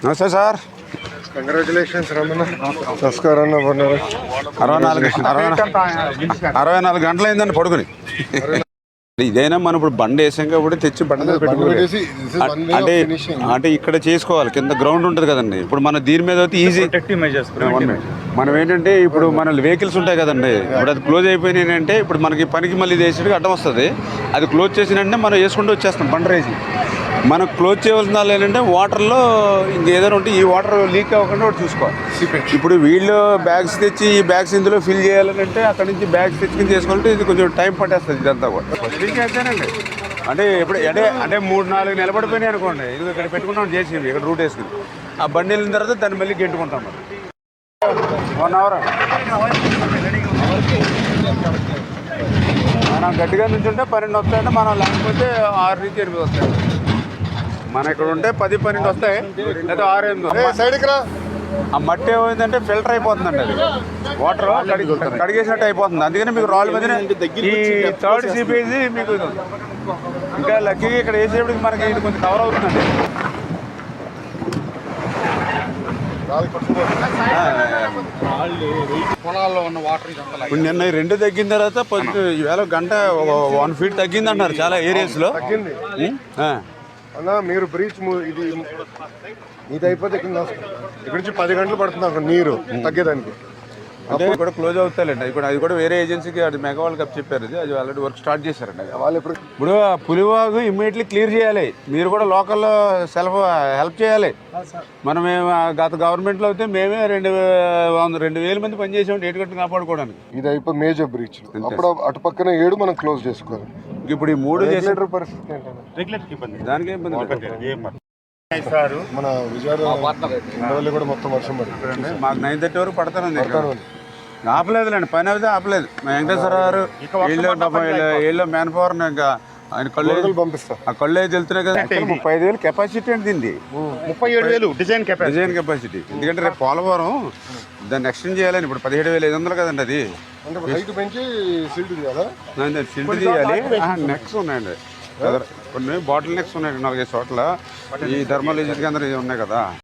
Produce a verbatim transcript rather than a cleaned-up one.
నమస్తే sir. Congratulations Ramana. నమస్కారం. అరవై నాలుగు అరవై అరవై నాలుగు గంటలు అయిందండి పడుకుని. ఇదైనా మనం ఇప్పుడు బండి వేసాం కాబట్టి తెచ్చి బండి మీద పెట్టుకోవాలి. అంటే అంటే ఇక్కడ చేసుకోవాలి, కింద గ్రౌండ్ ఉంటుంది కదండి. ఇప్పుడు మన దీని మీద అయితే ఈజీ. మనం ఏంటంటే ఇప్పుడు మన వెహికల్స్ ఉంటాయి కదండి, ఇప్పుడు అది క్లోజ్ అయిపోయినాయి అంటే ఇప్పుడు మనకి పనికి మళ్ళీ వేసేటికి అడ్డం వస్తుంది. అది క్లోజ్ చేసినంటే మనం వేసుకుంటూ వచ్చేస్తాం బండి రేసి. మనం క్లోజ్ చేయవలసిన వాళ్ళు ఏంటంటే వాటర్లో ఇంకేదైనా ఉంటే ఈ వాటర్ లీక్ అవ్వకుండా ఒకటి చూసుకోవాలి. ఇప్పుడు వీళ్ళు బ్యాగ్స్ తెచ్చి ఈ బ్యాగ్స్ ఇందులో ఫిల్ చేయాలని అంటే అక్కడ నుంచి బ్యాగ్స్ తెచ్చుకుని చేసుకోవాలంటే ఇది కొంచెం టైం పట్టేస్తుంది ఇదంతా కూడా. అంతేనండి. అంటే ఇప్పుడు అంటే అంటే మూడు నాలుగు నిలబడిపోయినాయి అనుకోండి, ఇది ఇక్కడ పెట్టుకుంటాం చేసేవి ఇక్కడ రూట్ వేసుకుని ఆ బండి వెళ్ళిన తర్వాత దాన్ని మళ్ళీ గెంటుకుంటాం. మనం వన్ అవర్ మనం గట్టిగా నుంచి ఉంటే పన్నెండు వస్తాయంటే మనం లేకపోతే ఆరు నుంచి ఎనిమిది వస్తాయి. మన ఇక్కడ ఉంటే పది పన్నెండు వస్తాయి లేదా ఆరు ఎనిమిది. ఆ మట్టి ఏమైందంటే ఫిల్టర్ అయిపోతుందండి, అది వాటర్ కడిగేసినట్టు అయిపోతుంది. అందుకని మీకు రాళ్ళ మధ్యన ఈ థర్డ్ సీపీజీ మీకు ఇంకా లక్కీగా ఇక్కడ వేసేప్పటికి మనకి ఇది కొంచెం కవర్ అవుతుందండి. పొలాల్లో ఉన్న వాటర్ ఇప్పుడు నిన్న రెండు తగ్గిన తర్వాత పొద్దు ఈవేళ గంట వన్ ఫీట్ తగ్గింది అంటున్నారు చాలా ఏరియాస్లో. తగ్గింది అన్న. మీరు బ్రీచ్ ఇది ఇది అయిపోతే కింద ఇక్కడ నుంచి పది గంటలు పడుతుంది అక్కడ నీరు తగ్గేదానికి. అంటే కూడా క్లోజ్ అవుతాయండి. అది కూడా అది కూడా వేరే ఏజెన్సీకి అది మెగా వాళ్ళు కప్ చెప్పారు, అది అది ఆల్రెడీ వర్క్ స్టార్ట్ చేశారండి. వాళ్ళు ఇప్పుడు ఇప్పుడు పులివాగు ఇమ్మీడియట్లీ క్లియర్ చేయాలి. మీరు కూడా లోకల్లో సెల్ఫ్ హెల్ప్ చేయాలి. మనం గత గవర్నమెంట్లో అయితే మేమే రెండు వంద రెండు వేల మంది పనిచేసాం ఏటు కట్టు కాపాడుకోవడానికి. ఇది అయిపోయి మేజర్ బ్రీచ్. అప్పుడు అటు పక్కన ఏడు మనం క్లోజ్ చేసుకోవాలి. ఇప్పుడు ఈ మూడు చేసిన పరిస్థితి ఏంటంటే దానికి ఇబ్బంది మన విజయవాడ కూడా మొత్తం వర్షం పడుతుంది. మాకు నైన్ థర్టీ వరకు పడతానండి. ఆపలేదులేండి, పని అయితే ఆపలేదు. మా వెంకటేశ్వర గారు వీళ్ళు వీళ్ళు మ్యాన్ పవర్ ఇంకా ఆయన కళ్ళు పంపిస్తాం. ఆ కళ్ళు అయితే వెళ్తున్నాయి కదా. ముప్పై ఐదు వేలు కెపాసిటీ అంటే దీన్ని ముప్పై ఏడు వేలు డిజైన్ డిజైన్ కెపాసిటీ. ఎందుకంటే రేపు పోలవరం దాన్ని ఎక్స్టెండ్ చేయాలని ఇప్పుడు పదిహేడు వేల ఐదు వందలు కదండి. అది పెంచి సిల్ట్ తీయాలా? సిల్ట్ తీయాలి. నెక్స్ ఉన్నాయండి, కొన్ని బాటిల్ నెక్స్ ఉన్నాయండి నాలుగైదు చోట్ల. ఈ ధర్మాలజీ కేంద్రం ఉన్నాయి కదా.